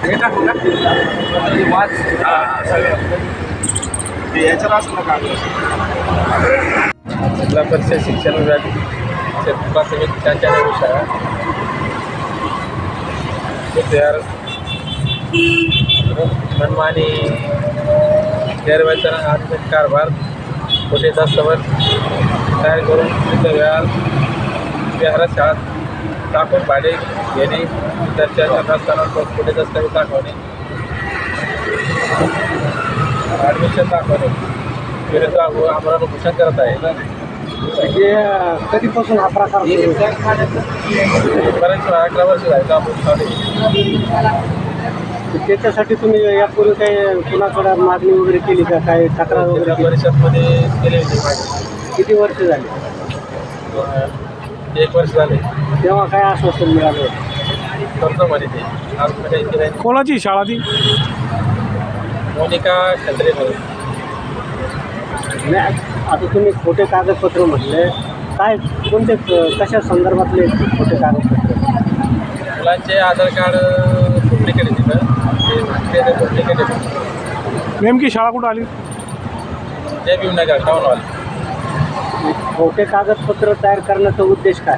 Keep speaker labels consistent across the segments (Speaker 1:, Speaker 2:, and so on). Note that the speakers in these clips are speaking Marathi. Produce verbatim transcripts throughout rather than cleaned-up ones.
Speaker 1: हे टाकू का वाच याच्यावर असं नका जिल्हा परिषद शिक्षण विभाग प्राथमिक त्यांच्या शाळा तयार मनमानी गैरवैचारिक आर्थिक कारभार खोटे दस्तऐवज तयार करून तिथं व्याज विहारात शाळा टाकून भाडे घेणे विद्यार्थ्यांच्या असताना खोटे दस्तऐवज दाखवणे ॲडमिशन दाखवणे विरुद्ध आम्हाला घोषणा करत आहे
Speaker 2: म्हणजे कधीपासून हा प्रकार
Speaker 1: बरेच अकरा वर्ष झाले आपण चालू
Speaker 2: त्याच्यासाठी तुम्ही यापूर्वी काही कुणाकडे मागणी वगैरे केली का काय तक्रार वगैरे
Speaker 1: जिल्हा
Speaker 2: केली?
Speaker 1: परिषदमध्ये केले होते माझे
Speaker 2: किती वर्ष झाली
Speaker 1: एक वर्ष झाले
Speaker 2: तेव्हा काय आश्वासन मिळालं
Speaker 1: कर्ज म्हणे ते आज काही केलं
Speaker 3: कोणाची शाळा ती?
Speaker 1: मोनिका खंद्रे म्हणून
Speaker 2: नाही आता तुम्ही खोटे कागदपत्र म्हटले काय कोणते कशा संदर्भातले खोटे कागदपत्र
Speaker 1: मुलांचे आधार कार्ड डुप्लिकेट आहे तिथं ते डुप्लिकेट आहे
Speaker 3: नेमकी शाळा कुठं आली?
Speaker 1: जय भीमनगर टाऊनवाले
Speaker 2: खोटे कागदपत्र तयार करण्याचा उद्देश काय?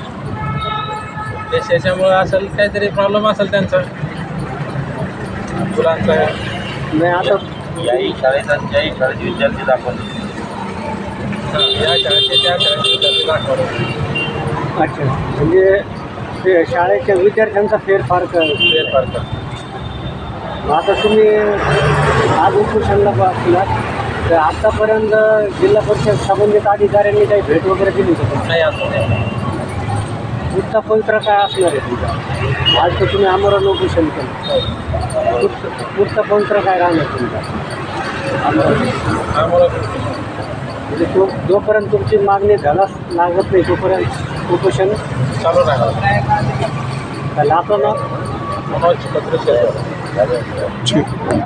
Speaker 1: ते त्याच्यामुळं असेल काहीतरी प्रॉब्लेम असेल त्यांचा मुलांचा
Speaker 2: नाही आता
Speaker 1: याही शाळेचा ज्याही शाळेचे विद्यार्थी दाखवले या शाळेचे त्या शाळेचे विद्यार्थी दाखवले
Speaker 2: अच्छा म्हणजे ते शाळेच्या विद्यार्थ्यांचा फेरफार कर
Speaker 1: फेरफार कर
Speaker 2: आता तुम्ही आज उपोषणला बसलात तर आत्तापर्यंत जिल्हा परिषद संबंधित अधिकाऱ्यांनी काही भेट वगैरे दिली होती
Speaker 1: नाही असं नाही
Speaker 2: पुढचा पवित्र काय असणार आहे तुमचा? आज तर तुम्ही आमरण उपोषण केलं पुढचं पुढचा पवित्र काय राहणार तुमचा?
Speaker 1: आम्हाला
Speaker 2: म्हणजे तो जोपर्यंत तुमची मागणी झालाच लागत नाही तोपर्यंत उपोषण
Speaker 1: चालू राहणार
Speaker 2: आपलं नाव
Speaker 1: मनोज पत्र